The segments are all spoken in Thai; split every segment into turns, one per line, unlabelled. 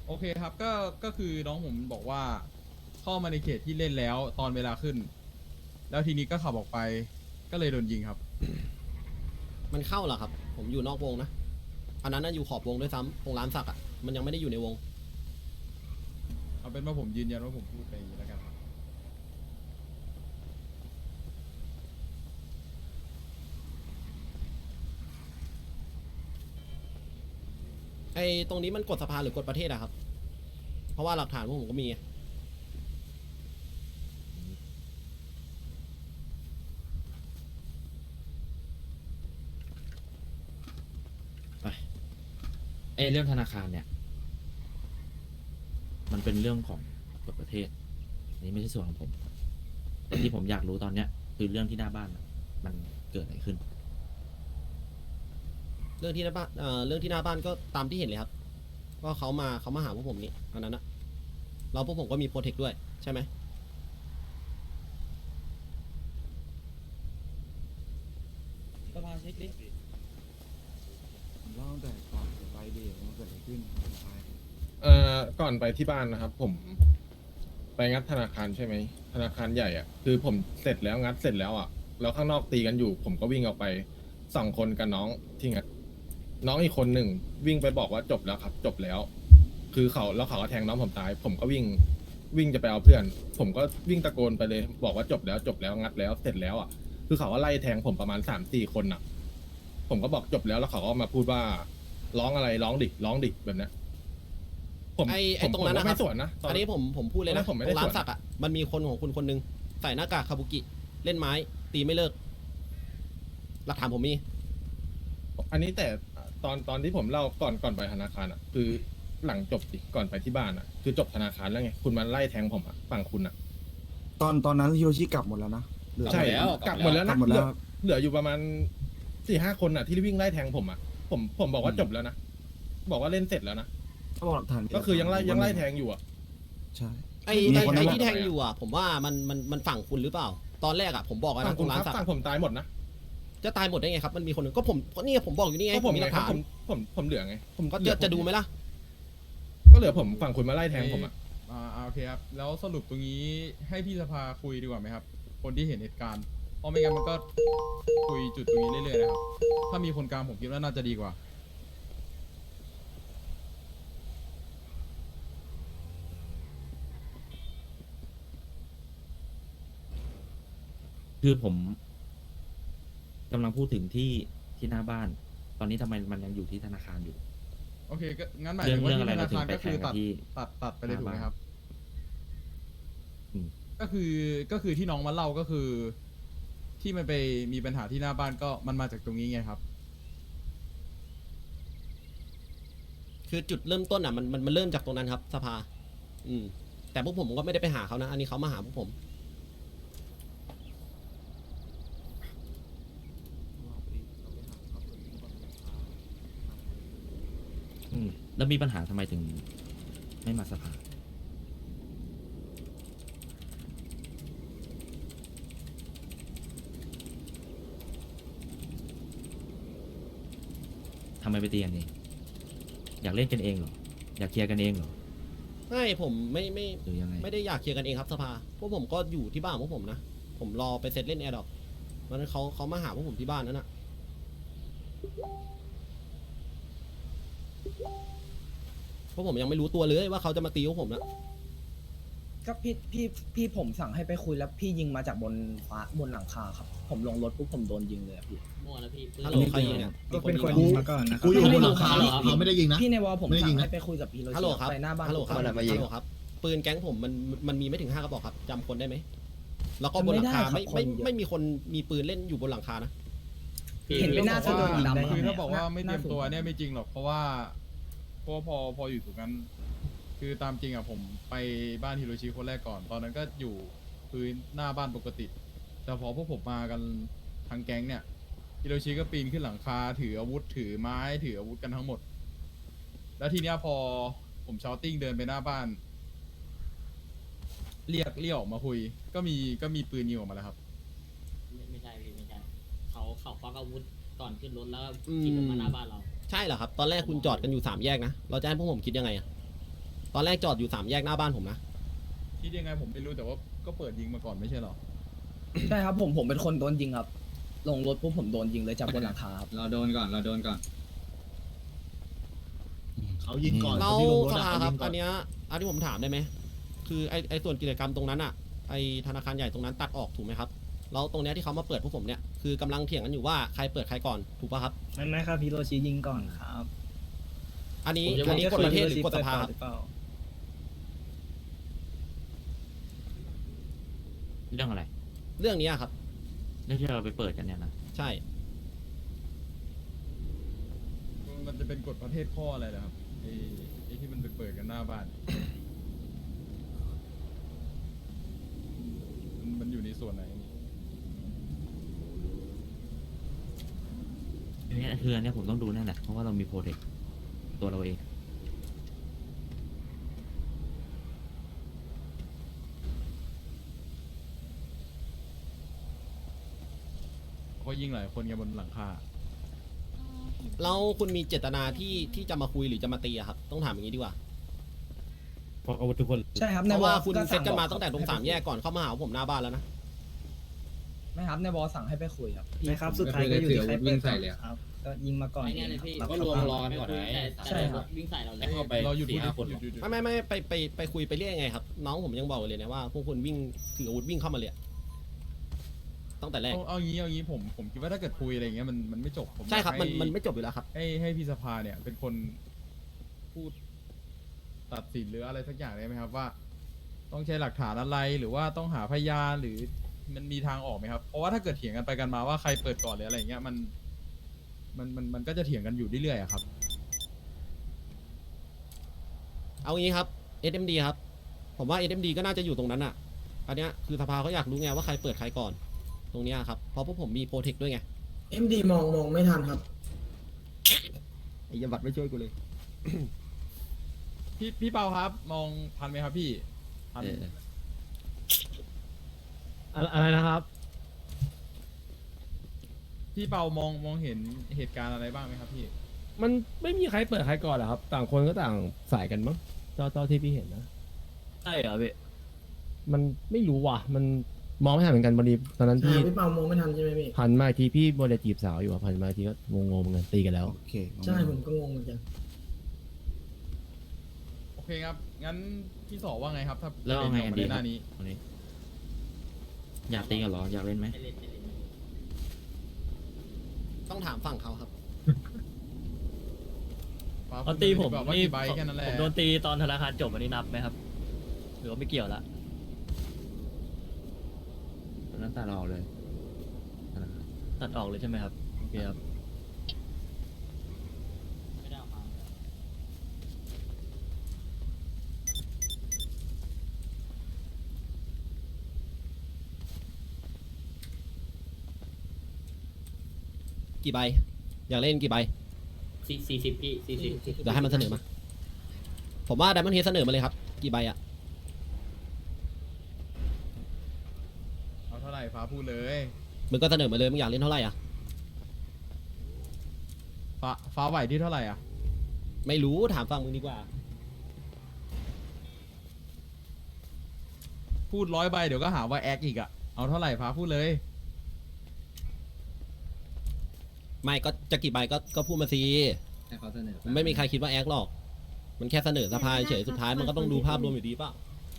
โอเคครับก็คือน้องผมบอกว่าเข้ามาในเขตที่เล่นแล้วตอนเวลาขึ้น แล้วทีนี้ก็ขับออกไปก็เลยโดนยิงครับ
มันเข้าเหรอครับผมอยู่นอกวงนะอันนั้นน่ะอยู่ขอบวงด้วยซ้ำตรงร้านสักอ่ะมันยังไม่ได้อยู่ในวง
เอาเป็นว่าผมยืนยันว่าผมพูดไปอย่างนี้แล้วกันครับ
ไอ้ตรงนี้มันกดสภาหรือกดประเทศอะครับเพราะว่าหลักฐานพวกผมก็มีไง
เรื่องธนาคารเนี่ย มันเป็นเรื่องของกฎประเทศอันนี้ไม่ใช่ส่วนของผมแต่ที่ผมอยากรู้ตอนเนี้ยคือเรื่องที่หน้าบ้านน่ะมันเกิดอะไรขึ้น
เรื่องที่หน้าบ้านเรื่องที่หน้าบ้านก็ตามที่เห็นเลยครับก็เขามาหาพวกผมนี่อันนั้นนะเราพวกผมก็มีโปรเทคด้วยใช่ไหม
สภาเช็คดิ
ผมเล่าตั้งแต่ก่อนจะไปเดทมันเกิดอะไรขึ้นไป
ก่อนไปที่บ้านนะครับ ผมไปงัดธนาคารใช่ไหมธนาคารใหญ่อ่ะคือผมเสร็จแล้วงัดเสร็จแล้วอ่ะแล้วข้างนอกตีกันอยู่ ผมก็วิ่งออกไป2 คนกับน้องที่งัดน้องอีกคนหนึ่งวิ่งไปบอกว่าจบแล้วครับ จบแล้ว คือเขาก็แทงน้องผมตาย ผมก็วิ่งจะไปเอาเพื่อน ผมก็วิ่งตะโกนไปเลย บอกว่าจบแล้วงัดแล้วเสร็จแล้วอ่ะคือเขาก็ไล่แทงผมประมาณ3-4 คนอ่ะ ผมก็บอกจบแล้วแล้วเขาก็มาพูดว่าร้องอะไรร้องดิแบบเนี้ย
ไอ้ตรงนั้นนะครับ
ไม่สวนนะต
อันนี้ผมพูดเลยนะ
ผมไม่
ต
ได้
รงร้าน
สวน
สักอ่ะมันมีคนของคุณคนหนึงใส่หน้ากากคาบุกิเล่นไม้ตีไม่เลิกหลักฐานผมมี
อันนี้แต่ตอนที่ผมเล่าก่อนไปธนาคารอ่ะ คือหลังจบดิก่อนไปที่บ้านอ่ะ คือจบธนาคารแล้วไงคุณมาไล่แทงผมอ่ะฝั่งคุณอ่ะ
ตอนนั้นฮิโรชิกลับหมดแล้วนะเหลือ
ใช่กลับหมดแล้ว
กลั
นะ
บหมดแล้ว
เหลืออยู่ประมาณ4-5 คนอ่ะที่วิ่งไล่แทงผมอ่ะผมบอกว่าจบแล้วนะบอกว่าเล่นเสร็จแล้วนะ
เขาบอกหลักฐาน
ก็คือยังไล่แทงอยู่อ่ะ
ใช่
ไอ้
มีคนนั้น
ที่แทงอยู่อ่ะผมว่ามันฝั่งคุณหรือเปล่า ตอนแรกอ่ะผมบอกแล้ว
ฝั่
นะ
ง
ต
คุ
ร
ณ
งร้า
คน รับ
สัก
ฝั่งผมตายหมดนะ
จะตายหมดได้ไงครับมันมีคนหนึ่งก็นี่ผมบอกอยู่นี่ไง
ก็
ผ
ผม
มมีห
ไง
ลัก
ครับ
ฐาน
ผมเหลือไงผม
ก็
เหลือ
จะดูไหมล่ะ
ก็เหลือผมฝั่งคุณมาไล่แทงผมอ่ะ
โอเคครับแล้วสรุปตรงนี้ให้พี่สภาคุยดีกว่าไหมครับ คนที่เห็นเหตุการณ์เพราะไม่งั้นมันก็คุยจุดตรงนี้เรื่อยๆนะครับถ้ามีคนกลางผมคิดว่าน่าจะดีกว่า
คือผมกำลังพูดถึงที่หน้าบ้าน ตอนนี้ทำไมมันยังอยู่ที่ธนาคารอยู่
โอเคก็งั้นหมายถึงว่า
เรื่อง
ที่
อะไร
ธนาคาร
เราถึงไป
ก็คือ
แทงกันที่
ตัดไปเลยถูกไหมครับ
อืม
ก็คือที่น้องมาเล่าก็คือ ที่มันไปมีปัญหาที่หน้าบ้านก็มันมาจากตรงนี้ไงครับ
คือจุดเริ่มต้นอ่ะมันเริ่มจากตรงนั้นครับสภา แต่พวกผมก็ไม่ได้ไปหาเขานะ อันนี้เขามาหาพวกผม
แล้วมีปัญหาทำไมถึงไม่มาสภาทำไมไปตีกันเองอยากเล่นกันเองเหรออยากเคลียร์กันเองเหรอ
ไม่ผมไม่
หรือยังไง
ไม่ได้อยากเคลียร์กันเองครับสภาพวกผมก็อยู่ที่บ้านของพวกผมนะ ผมรอไปเซตเล่นแอร์ดอกวันนั้นเขามาหาพวกผมที่บ้านนั่นน่ะพวกผมยังไม่รู้ตัวเลยว่าเขาจะมาตีพวกผมนะ
ก็พี่ผมสั่งให้ไปคุยแล้วพี่ยิงมาจากบนหลังคาครับ ผมลงรถปุ๊บผมโดนยิงเลยอะพี่
มั่วแล้วพี่
ฮัลโหลใครยิงเนี่ย
ก็เป็นคน
ยิ
ยิ
ง
งมาก่อนนะ
กูอยู่บนหลังคาเขาไม่ได้ยิงนะ
พี่ในวอลผม
ไม่ได้ยิ
สั่
ง
ง
นะ
ให้ไปคุยกับพี่โร
ฮัลโหล
ชิ
ครับ
ไปหน้าบ้าน
ฮัลโหลครับ
ผม
ฮัลโหลครับปืนแก๊งผมมันมีไม่ถึง5 กระบอกครับจำคนได้ไหมแล้วก็บนหลังคาไม่มีคนมีปืนเล่นอยู่บนหลังคานะ
เห็นเป็นหน้าสะดุดดำ
คือถ้าบอกว่าไม่เตรียมตัวเนี่ยไม่จริงหรอกเพราะว่าพออยู่ตรงนั้น คือตามจริงอ่ะผมไปบ้านฮิโรชิคนแรกก่อน ตอนนั้นก็อยู่พื้นหน้าบ้านปกติ แต่พอพวกผมมากันทั้งแก๊งเนี่ยฮิโรชิก็ปีนขึ้นหลังคาถืออาวุธถือไม้ถืออาวุธกันทั้งหมด แล้วทีเนี้ยพอผมชาวติ้งเดินไปหน้าบ้าน เรียกออกมาคุย ก็มีปืนยิงออกมาแล้วครับ
ไม่ใช่พี่ไม่ใช่เขาควักอาวุธก่อนขึ้นรถแล้วก็ขี่รถมาหน้าบ้านเรา
ใช่เหรอครับ ตอนแรกคุณจอดกันอยู่3 แยกนะ เราจะให้พวกผมคิดยังไงอะตอนแรกจอดอยู่3 แยกหน้าบ้านผมนะ
คิดยังไงผมไม่รู้แต่ว่าก็เปิดยิงมาก่อนไม่ใช่หรอ
ใช่ครับผมเป็นคนโดนยิงครับ ลงรถปุ๊บผมโดนยิงเลยจากบนหลังคาครับ
เราโดนก่อน
เขายิงก่อน
เรา
คนที่ลงรถ
ส
อะ
ภา
เขา
ครั
ยิ
บ
งก่
อั
อน
นเนี้ยอันที่ผมถามได้ไหมคือไอส่วนกิจกรรมตรงนั้นอ่ะไอธนาคารใหญ่ตรงนั้นตัดออกถูกไหมครับแล้วตรงเนี้ยที่เขามาเปิดพวกผมเนี่ยคือกำลังเถียงกันอยู่ว่าใครเปิดใครก่อนถูกป่ะครับ
ไม่ครับฮิโรชิยิงก่อนครับ
อันนี้กฎประเทศหรือกฎสภาครับ
เรื่องอะไร
เรื่องเนี้ยครับ
เรื่องที่เราไปเปิดกันเนี่ยนะ
ใช่
มันจะเป็นกฎประเทศข้ออะไรนะครับไอ้ที่มันไปเปิดกันหน้าบ้าน มันอยู่ในส่วนไหนนี่
อันนี้คืออันเนี้ยผมต้องดูแน่แหละเพราะว่าเรามีโปรเทคตัวเราเอง
เพราะยิงหลายคนกันบนหลังคา
แล้วคุณมีเจตนาที่จะมาคุยหรือจะมาตีอะครับต้องถามอย่างนี้ดีกว่า
เพราะอาวุธทุกคน
ใช่ครับ
เพ
ใน
ราะ
วอ
ว่า
ล
คุณ
ก็
เซตกันมา
บ
ตั้งแต่ตรง3 แยกก่อนเข้ามาหาผมหน้าบ้านแล้วนะ
ไม่ครับในวอลสั่งให้ไปคุยครับ
ไม่ครับสุดท้ายก็อยู่ที่ใครวิ่งใส่เลย
ครับ ก็ยิงมาก่อน
ไอ้เนี่ยเลยพี่
ครับ
ก็รวมรอกันก่อนไหม
ใช่ครับ
วิ่งใส่เราเลย
เข้าไป
เราหยุดพูด
4-5 คน
หยุด
ไม่ไปคุยไปเรียกยังไงครับ น้องผมยังบอกเลยนะว่าพวกคุณวิ่งถืออาวุธวิ่งเข้ามาเลยอะตั้งแต่แรก
เอางี้ผมคิดว่าถ้าเกิดคุยอะไรอย่างเงี้ยมันไม่จบผม
ใช่ครับ
อยากให้
มันไม่จบอยู่แล้วครับ
ให้พี่สภาเนี่ยเป็นคนพูดตัดสินหรืออะไรสักอย่างได้ไหมครับว่า ต้องใช้หลักฐานอะไรหรือว่าต้องหาพยานหรือมันมีทางออกไหมครับเพราะว่าถ้าเกิดเถียงกันไปกันมาว่าใครเปิดก่อนหรืออะไรอย่างเงี้ยมันก็จะเถียงกันอยู่เรื่อยๆอะครับ
เอางี้ครับ SMD ครับ ผมว่า SMD ก็น่าจะอยู่ตรงนั้นอ่ะ อันเนี้ยคือสภาเขาอยากรู้ไงว่าใครเปิดใครก่อน ตรงเนี้ยครับ เพราะพวกผมมีโปรเทคด้วยไง
MD มองไม่ทันครับ
ไอ้ยบัตรไม่ช่วยกูเลย
พี่เปาครับ มองทันไหมครับพี่ทัน
อะไรนะครับ
พี่เปามองเห็นเหตุการณ์อะไรบ้างไหมครับพี่
มันไม่มีใครเปิดใครก่อนหรอครับ ต่างคนก็ต่างสายกันมั้งเจ้าที่พี่เห็นนะ
ใช่เหรอพี่
มันไม่รู้ว่ะ มันมองไม่ทันเหมือนกันพอดีตอนนั้นพี่
พี่เปามองไม่ทันใช่ไหมพี่
พันมาอีกทีพี่โมเดลจีบสาวอยู่อ่ะพันมาอีกทีก็งงๆเหมือนกันตีกันแล้ว
โอเค
ใช่ผมก็งงเหมือนกัน
โอเคครับ งั้นพี่สอว่าไงครับ ถ้า
แล้วเอาไงกันดี
ประเด็นออกมาในห
ครั
น้า
บ
นี้
วันนี้อยากตีกันเหรออยากเล่นไหม
ให้เล่นให้เล่น
ต้องถามฝั่งเขาครับ
ฟ้า
ตอนตีผม
พูดแบบว่า
นี่
กี่ใบแค่นั้นแหละ
ผมโดนตีตอนธนาคารจบอันนี้นับไหมครับ หรือว่าไม่เกี่ยวละ
ตอนนั้นตัดออกเลยนะครับ
ตัดออกเลยใช่ไหมครับโอเคครับ
ไม่ได้ออกมา
กี่ใบ อยากเล่นกี่ใบ
40พี่40
เดี๋ยวให้มันเสนอมา ผมว่าไดมอนด์เฮดเสนอมาเลยครับ กี่ใบอะ
เอาเท่าไหร่ฟ้าพูดเลย
มึงก็เสนอมาเลยมึงอยากเล่นเท่าไหร่อะ
ฟ้าไหวที่เท่าไหร่อ่ะ
ไม่รู้ถามฝั่งมึงดีกว่า
พูด100 ใบเดี๋ยวก็หาว่าแอคอีกอ่ะ เอาเท่าไหร่ฟ้าพูดเลย
ไม่ก็จะกี่ใบก็พูดมาสิ
ให้เขาเสนอ
มันไม่มีใครคิดว่าแอคหรอก มันแค่เสนอสภาเฉยสุดท้ายมันก็ต้องดูภาพรวมอยู่ดีเปล่า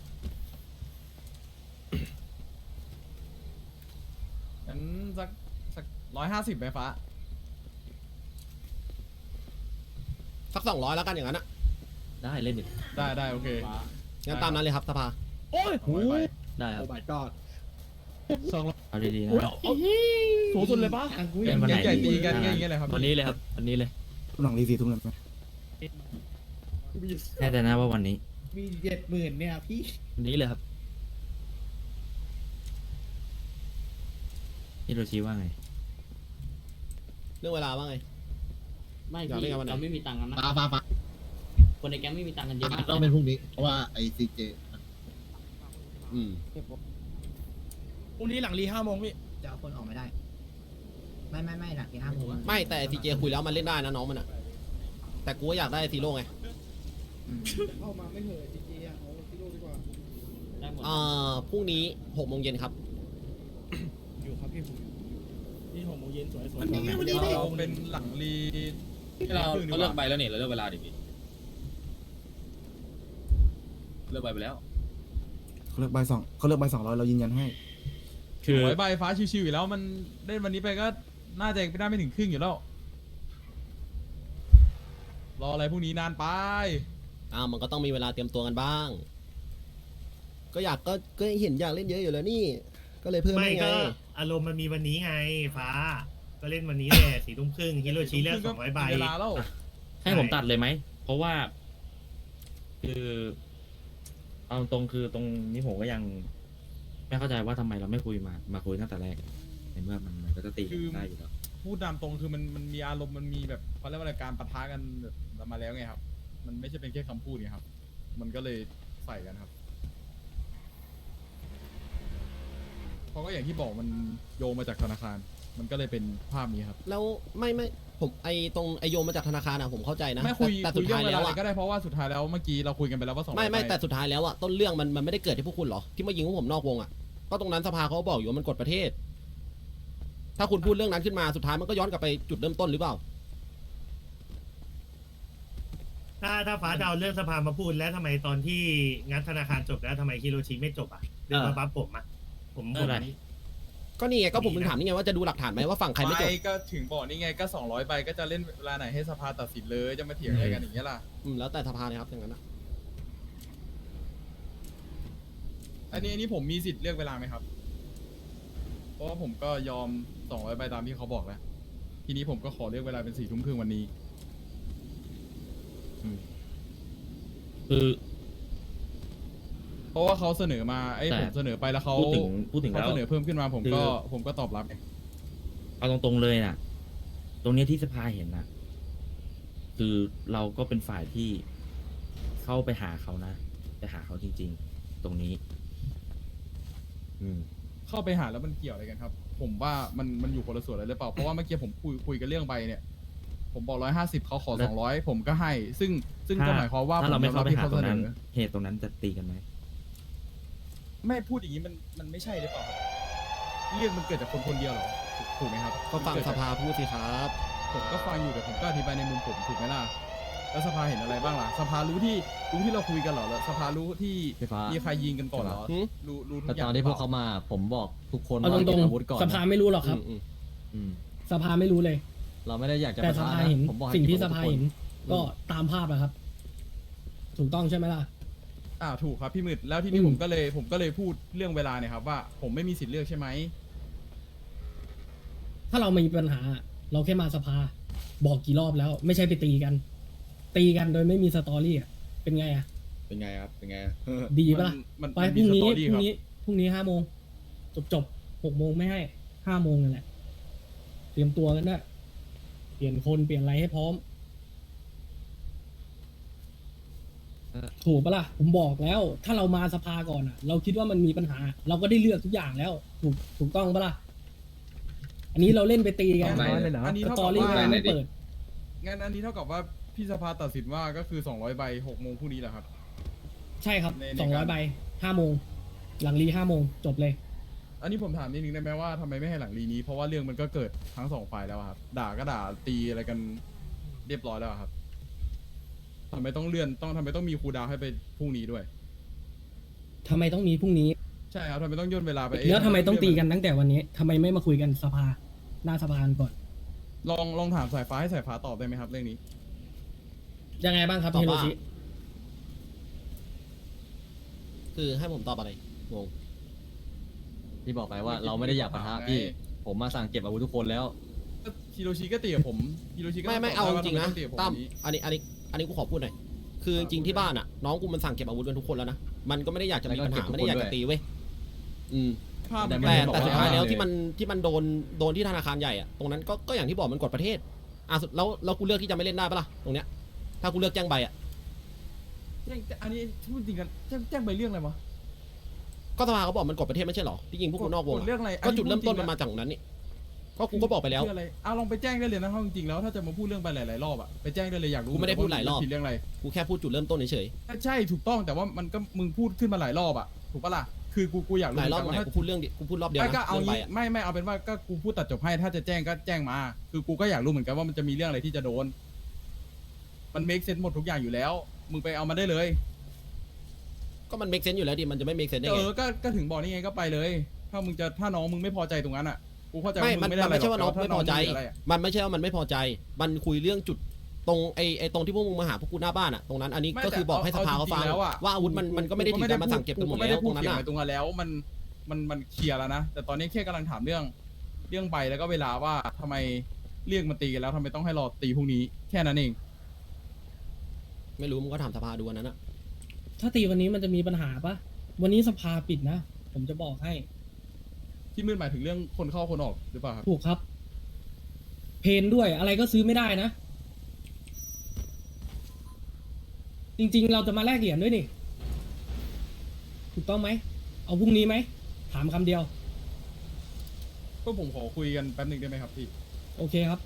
งั้นสัก150ไหมฟ้า
สัก200แล้วกันอย่างนั้นอะ
ได้เล่นดิ
ได้โอเค
งั้นตามนั้นเลยครับสภา
โอ้ย
100 ใบ
ได้ครับ
โอ้ my god
เอาดีๆนะ
เอาสูงสุดเลยปะ
เล่นวันไหน
ใหญ่
ดี
ตีกันอย่างเงี้ยเลยครับ
วันนี้เลยครับวันนี้เลย
หลังรีซีทุ่มนั้นไหม
แน่ใจนะว่าวันนี้
มี70,000เนี่ยพี่
วันนี้เลยครับ
ฮิโรชิว่าไง
เรื่องเวลาว่าไง
ไม่
อยาก
พี่
เล่นกันวันไหน
เราไม่มีตังค์กันนะ
ฟ้า
คนในแก๊งไม่มีตังค์กันเยอะมาก
ต้องเป็นพรุ่งนี้ เพราะว่าไอซีเจ
อืม
พรุ่งนี้หลังรี5 โมงพี่
จะเอาคนออกไม่ได้ ไม่หลักที่5 โมง
ไม่แต่ทีเจคุยแล้วมันเล่นได้นะน้องมันอะแต่กูก็อยากได้ซีโร่ไง
เข้ามาไม่เหอะจริงๆอ่ะเอาที่โลกดีกว่า
ได้หมด
พรุ่งนี้6 โมงเย็นครับ
อยู่ครับพี่ผม
นี่6 โมงเย็นสวย
เราเป็นหลังรี
เราเลือกใบแล้วเนี่ยเราเลือกเวลาดิพี่เลือกใบไปแล้ว
เขาเลือกใบ200เรายืนยันให้
คือ
ใบฟ้าชิวๆอยู่แล้วมันเล่นวันนี้ไปก็น่าจะไม่ได้ไม่ถึงครึ่งอยู่แล้ว รออะไรพรุ่งนี้นานไป
มันก็ต้องมีเวลาเตรียมตัวกันบ้าง ก็เห็นอยากเล่นเยอะอยู่แล้วนี่ ก็เลยเพิ่ม
ไม่
ให้ไง
ก็อารมณ์มันมีวันนี้ไงฟ้า ก็เล่นวันนี้แหละ4 ทุ่มครึ่งฮิโรชิเลือก200 ใบ
เวลาแล้ว
ให้ผมตัดเลยไหม เพราะว่า คือเอาตรงคือตรงนี้ผมก็ยัง ไม่เข้าใจว่าทำไมเราไม่คุยมาคุยตั้งแต่แรกในเมื่อมันก็จะตีกันได้อยู่แล้ว
พูดตามตรงคือมันมีอารมณ์มันมีแบบเขาเรียกว่าอะไรการปะทะกันแบบมาแล้วไงครับ มันไม่ใช่เป็นแค่คำพูดไงครับ มันก็เลยใส่กันครับเพราะก็อย่างที่บอกมันโยงมาจากธนาคาร มันก็เลยเป็นภาพนี้ครับ
แล้วไม่ผมตรงโยมมาจากธนาคารอะผมเข้าใจนะ
ไม่คุย
แต่
คุ
สุ
ย
ด
เรื่อ
ท้าย
งเว
แล้
ลาว อะไร
อะ
ก็ได้เพราะว่าสุดท้ายแล้วเมื่อกี้เราคุยกันไปแล้วว่า200
ไม่
ใบ
แต่สุดท้ายแล้วอะต้นเรื่องมันไม่ได้เกิดที่พวกคุณหรอที่มายิงพวกผมนอกวงอะก็ตรงนั้นสภาเขาบอกอยู่ว่ามันกฎประเทศ ถ้าคุณพูดเรื่องนั้นขึ้นมาสุดท้ายมันก็ย้อนกลับไปจุดเริ่มต้นหรือเปล่า
ถ้าฟ้าดาวเรื่องสภามาพูดแล้วทำไมตอนที่งัดธนาคารจบแล้วทำไมฮิโรชิไม่จบอ่ะเรื่องมาบัฟผมอ่ะผม
อะไร
ก็นี่ไงก็ผมถึงถามนี่ไงว่าจะดูหลักฐานไหมว่าฝั่งใครไม่จบ
ก็ถึงบอกนี่ไงก็200ใบก็จะเล่นเวลาไหนให้สภาตัดสินเลยจะมาเถียงอะไรกันอย่างเงี้ยล่ะ
แล้วแต่สภาเลยครับอย่างนั้นนะ
อันนี้ผมมีสิทธิ์เลือกเวลาไหมครับ เพราะว่าผมก็ยอม200ใบตามที่เขาบอกแล้ว ทีนี้ผมก็ขอเลือกเวลาเป็น4 ทุ่มครึ่งวันนี้
คือ
เพราะว่าเขาเสนอมาไอ้
แต่
ผมเสนอไปแล้วเขา
พูดถึง
เขา
แล้ว
เสนอเพิ่มขึ้นมาผม
คือ
ก็ตอบรับไง
เอาตรงๆเลยน่ะ ตรงเนี้ยที่สภาเห็นน่ะ คือเราก็เป็นฝ่ายที่เข้าไปหาเขานะไปหาเขาจริง ๆ ตรงนี้
เข้าไปหาแล้วมันเกี่ยวอะไรกันครับ ผมว่ามันอยู่คนละส่วนเลยหรือเปล่า เพราะว่าเมื่อกี้ผมคุยกันเรื่องใบเนี่ย ผมบอก150เขาขอ
แล้ว
200ผมก็ให้ ซึ่งก็หมายความว่า
ถ้าเราไม่เข้าไปหา
ผ
ตรงนั้น
ยอมบ
เหตุตรงนั้นจะตีกันไหม
ไม่พูดอย่างนี้มันไม่ใช่หรือเปล่าครับเรื่องมันเกิดจากคนคนเดียวเหรอถูกไหมครับ
ก็ฟัง
มันเด
ส
จาก
ภาพูดสิครับ
ผมก็ฟังอยู่แต่ผมก็อธิบายในมุมผมถูกไหมล่ะแล้วสภาเห็นอะไรบ้างล่ะสภารู้ที่เราคุยกันเหรอแล้วสภารู้ที่
พี่ฟ้ามี
มีใครยิงกันก่อนเหรอ
หืม
รู้ทุ
แต่
กอย่า
ต
ง
อนที่พวก
หรื
เขา
ปล่
มาผมบอกทุกคน
เอาต
ว่า
ร
เก็
ง
บอาวุธก่อน
ๆสภาไม่รู้หรอกครับ
อืม
สภาไม่รู้เลย
เราไม่ได้อยากจะ
แต่
ปะ
ส
ทะ
ภา
นะ
เห็น
ผมบอกให้
สิ่งที่
เก็
ส
บอ
ภา
วุธทุกคน
เห็นก็ตามภาพนะครับ ถูกต้องใช่ไหมล่ะ
ถูกครับพี่มืดแล้วที่นี่ผมก็เลยพูดเรื่องเวลาเนี่ยครับว่าผมไม่มีสิทธิ์เลือกใช่ไหม
ถ้าเรามีปัญหา เราแค่มาสภา บอกกี่รอบแล้ว ไม่ใช่ไปตีกัน ตีกันโดยไม่มีสตอรี่อ่ะเป็นไงอ่ะ
เป็นไงครับ เป็นไง
ดีปะล่ะ
มัน
ไป
มัน
พรุ่งนี้
มี
พ
สตอ
รุ่ง
รี่
นี้พรุ่งนี้5 โมงจบ6 โมงไม่ให้5 โมงนั่นแหละ เตรียมตัวกันด้วยเปลี่ยนคนเปลี่ยนอะไรให้พร้อม ถูกปะล่ะผมบอกแล้ว ถ้าเรามาสภาก่อนอ่ะ เราคิดว่ามันมีปัญหา เราก็ได้เลือกทุกอย่างแล้ว ถูกต้องปะล่ะอันนี้เราเล่นไปตีกัน
อันนี้
ส
เท่า
ต
กั
อบ รี่
ว่า
มันไม่เปิด
งั้นอันนี้เท่ากับว่าพี่สภาตัดสินว่าก็คือ200ใบ6 โมงพรุ่งนี้แหละครับ
ใช่ครับ
ในการ
200 ใบ5 โมง หลังรี5 โมงจบเลย
อันนี้ผมถามนิดนึงได้ไหมว่าทำไมไม่ให้หลังรีนี้เพราะว่าเรื่องมันก็เกิดทั้ง2 ฝ่ายแล้วอะครับด่าก็ด่าตีอะไรกันเรียบร้อยแล้วอะครับทำไมต้องเลื่อนทำไมต้องมีครูดาวให้ไปพรุ่งนี้ด้วย
ทำไมต้องมีพรุ่งนี้
ใช่ครับทำไมต้องย่นเวลาไป
แล้วทำไมต้องตีกันตั้งแต่วันนี้ทำไมไม่มาคุยกันสภา หน้าสภาก่อน
ลองถามสายฟ้าให้สายฟ้าตอบได้ไหมครับเรื่องนี้
ยังไงบ้างครับ
ตอบ
เฮโร
ว่า
ชิ
คือให้ผมตอบอะไรงง
ที่บอกไปว่าเราไม่ได้อยากปะทะพี่ ผมมาสั่งเก็บอาวุธทุกคนแล้ว
ฮิโรชิก็ตีกับผมฮิโรชิก็
ไม่เอาจริงๆนะ
ต้อตีกับผม
ตั้ม
นี้
อันนี้กูขอพูดหน่อยคือจริงๆที่บ้านอ่ะ น้องกูมันสั่งเก็บอาวุธกันทุกคนแล้วนะมันก็ไม่ได้อยากจะมีปัญหา
แล้วก็เก็บทุกคน
ไม่ได้อยากจะตีเว้ย
ภาพ
แต่
มัน
ไม่
ก็
ได้
แต่
บอก
สุดท้าย
ว่า
แล้วที่มันโดนที่ธนาคารใหญ่อะตรงนั้นก็อย่างที่บอกมันกฎประเทศสุดแล้วกูเลือกที่จะไม่เล่นได้ปะล่ะตรงเนี้ยถ้ากูเลือกแจ้งใบอะ
อันนี้พูดจริงกันแจ้งไปเรื่องอะไรวะ
ก็สภาเขาบอกมันกฎประเทศไม่ใช่หรอที่ยิงพวกกูนอกวง
เรื่องอะไร
ก็จุดเริ่มต้นมันมาจากตรงนั้นนี่ก็กูก็บอกไปแล้ว
เพื่ออะไรลองไปแจ้งได้เลยนะถ้าจริงๆแล้วถ้าจะมาพูดเรื่องไปหลายๆรอบอะไปแจ้งได้เลยอยากรู้
กูไม่ได้พูดหลายรอบ
ผิดเรื่องอะไร
กูแค่พูดจุดเริ่มต้นเฉย
ใช่ถูกต้องแต่ว่ามันก็มึงพูดขึ้นมาหลายรอบอะถูกปะล่ะคือกูอยาก
ๆ
รู้
หลายรอบ
เห
ตร
มื
ง
อน
ไหน
กันว่า
กูพูดเรื่องกูพูดรอบเดียว
ไม่
นะ
ก็เอา
เรื่องไป
งี้
อะ
ไม่เอาเป็นว่าก็กูพูดตัดจบให้ถ้าจะแจ้งก็แจ้งมา คือกูก็อยากรู้เหมือนกันว่ามันจะมีเรื่องอะไรที่จะโดน มันเมคเซนส์หมดทุกอย่างอยู่แล้ว มึงไปเอามาได้เลย
ก็มัน make sense อยู่แล้วดิมันจะไม่ make sense ได้ไง
ก็ถึงบอกนี่ไงก็ไปเลย ถ้าน้องมึงไม่พอใจตรงนั้นอ่ะกูเข้าใจ
ไม่
ว่ามึ
มัน
งไม่ได้อะไร
ไม่ใช่ว่าน้อง
แต่
ไม่พอใจ
ถ้าน้งมีะไรอะ
มันไม่ใช่ว่ามันไม่พอใจ มันคุยเรื่องจุดตรงไอ้ตรงที่พวกมึงมาหาพวกกูหน้าบ้านอ่ะตรงนั้นอันนี้
ไม่
ก็คือบอกให้สภาเขาฟัง
จริๆแล้วอะ
ว่าอาวุธมันก็ไม่ได้ถึงการมาสั่งเก็บกันหมดแล้วตรงนั้น
กู
อ่ะ
ไม่ได้พูดเกี่ยวกับตรงนั้นแล้วมันเคลียร์แล้วนะแต่ตอนนี้แค่กำลังถามเรื่องใบแล้วก็เวลาว่าทำไมเรียกมาตีกันแล้วทำไมต้องให้รอตีพรุ่งนี้แค่นั้นเอง
ไม่รู้มึงก็ถามสภาดูอันนั้นอ่ะ
ถ้าตีวันนี้มันจะมีปัญหาปะวันนี้สภาปิดนะ ผมจะบอกให้
ที่มืดหมายถึงเรื่องคนเข้าคนออกหรือเปล่าครับ
ถูกครับ เพนด้วยอะไรก็ซื้อไม่ได้นะ จริงๆ เราจะมาแลกเหรียญด้วยนี่ ถูกต้องไหม เอาพรุ่งนี้ไหม ถามคำเดียว
ก็ผมขอคุยกันแป๊บหนึงได้ไหมครับพี่
โอเคครับ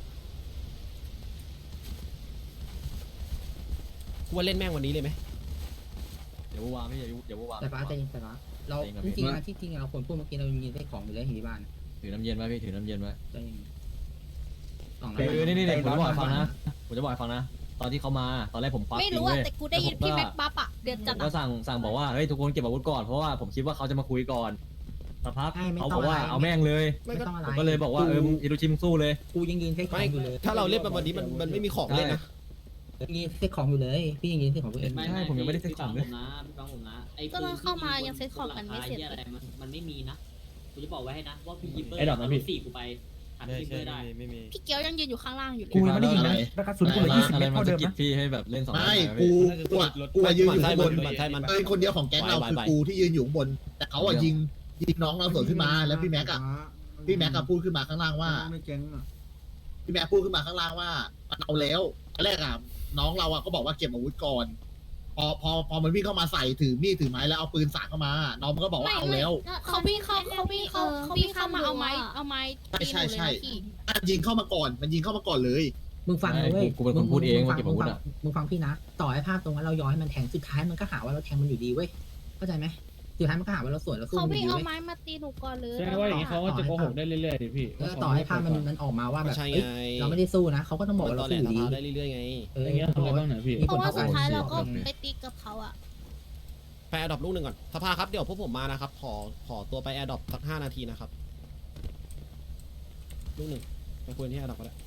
กูว่าเล่นแม่งวันนี้เลยไหม
เดี๋ยววางไม่เดี๋ยววาง
แต่ฟ้าใจเย็นแต่ฟ้าเราจริงๆนะที่จริงเราควรพูดเมื่อกี้เรายังมีได้ของอยู่เลยที่บ้าน
ถือน้ำเย็นไว้พี่ถือน้ำเย็นไว้
ใจเย็นสอง
คือนี่ผมจะบอกฟังนะผมจะบอกฟังนะ ตอนที่เขามาตอนแรกผมควัก
ไม่
จริ
รู้
ง
อะ
เว้ย
แต่กูได้ยินพี่แม็กบัฟอะเดือด
ผ
จัด
ม
อะ
ก็สั่งบอกว่าเฮ้ยทุกคนเก็บอาวุธก่อนเพราะว่าผมคิดว่าเขาจะมาคุยก่อนสักพัก
ไม่
เขา
ต้
บอกว่าเอาแม่งเลย
ไม่ต้องอะไร
ผมก็เลยบอกว่ามึงอิรุชิมสู้เลย
กูยังยืนเซ็ตขอ
ไม่
งอยู่เลย
ถ้าเราเล่นไปวันนี้มันไม่มีของเล่นนะ
ยังยืนเซ็ตของอยู่เลย พี่ยังยืนเซ็ตของตัวเอง
ใช่ผมยังไม่ได้เซ็ตของเลย
พี่ฟังผมนะไอ้
ก็เราเข้ามายังเซ็ตของกันไม่เสร็จ
อะไรมันไม่มีนะกูจะบอกไว้ให้นะว่าพี่ยิปเปอร์
ไอ้ดอกนะพี่
สี่กูไปหันยิปเปอร์ได้
พี่เกียวยังยืนอยู่ข้างล่างอยู่เลย
กูยังไม่ได้ยินนะแล้วกระสุนกูเลย20 เมตรเท่าเดิมนะพี่ให้แบบเล่น2
ไม่กูยืนอยู่ข้างบน
มันใช่มัน
เอ้ยคนเดียวของแก๊งเราคือกูที่ยืนอยู่ข้างบน แต่เขายิงน้องเราสวนขึ้นมาแล้วพี่แม็กพูดขึ้นมาข้างล่างว่าพี่แม็กพูดขึ้นมาข้างล่างว่ามันเอาแล้วตอนแรกน้องเราก็บอกว่าเก็บอาวุธก่อนพอมันวิ่งเข้ามาใส่ถือมีดถือไม้แล้วเอาปืนสาดเข้ามาน้องมันก็บอกว่าเอาแล้ว
เขาวิ่งเข้ามาเอาไม้ตีหนูเลยนะพี่
ยิงเข้ามาก่อนมันยิงเข้ามาก่อนเลย
มึงฟังนะเว้ย
กูเป็นคนพูดเองว่าเก็บอาวุธอะ
มึงฟังพี่นะ ต่อให้ภาพตรงนั้นเราย้อนให้มันแทงสุดท้ายมันก็หาว่าเราแทงมันอยู่ดีเว้ย เข้าใจไหมสุดท้ายมันก็หาว่าเราสวนเราสู้
เขา
มันอ
วิ่ง
ยู่ดี
เอา
เว้ย
ไม้มาตีหนูก่อนเลย
ใช่ว่าอย่างนี้เขาก็จะโกหกได้เรื่อยๆดิพี่
ต่อให้ภาพมันออกมาว่าแบบ
ใช่
เอ้ย
ไง
เราไม่ได้สู้นะเขาก็ต้องบอก
มัน
ว่า
ต
เรา
อนแหล
สู้อยู่
ส
ดี
ภาได้เรื่อยๆไง
อย่างเงี้ยทำอะไรบ้างเนี่ยพี่
เพราะว่าสุดท้ายเราก็ไปตีกับเขาอะ
ไปแอร์ดรอปลูกหนึ่งก่อนสภาครับเดี๋ยวพวกผมมานะครับขอตัวไปแอร์ดรอปสัก5 นาทีนะครับลูกหนึ่งไปคุยที่แอร์ดรอปก็ได้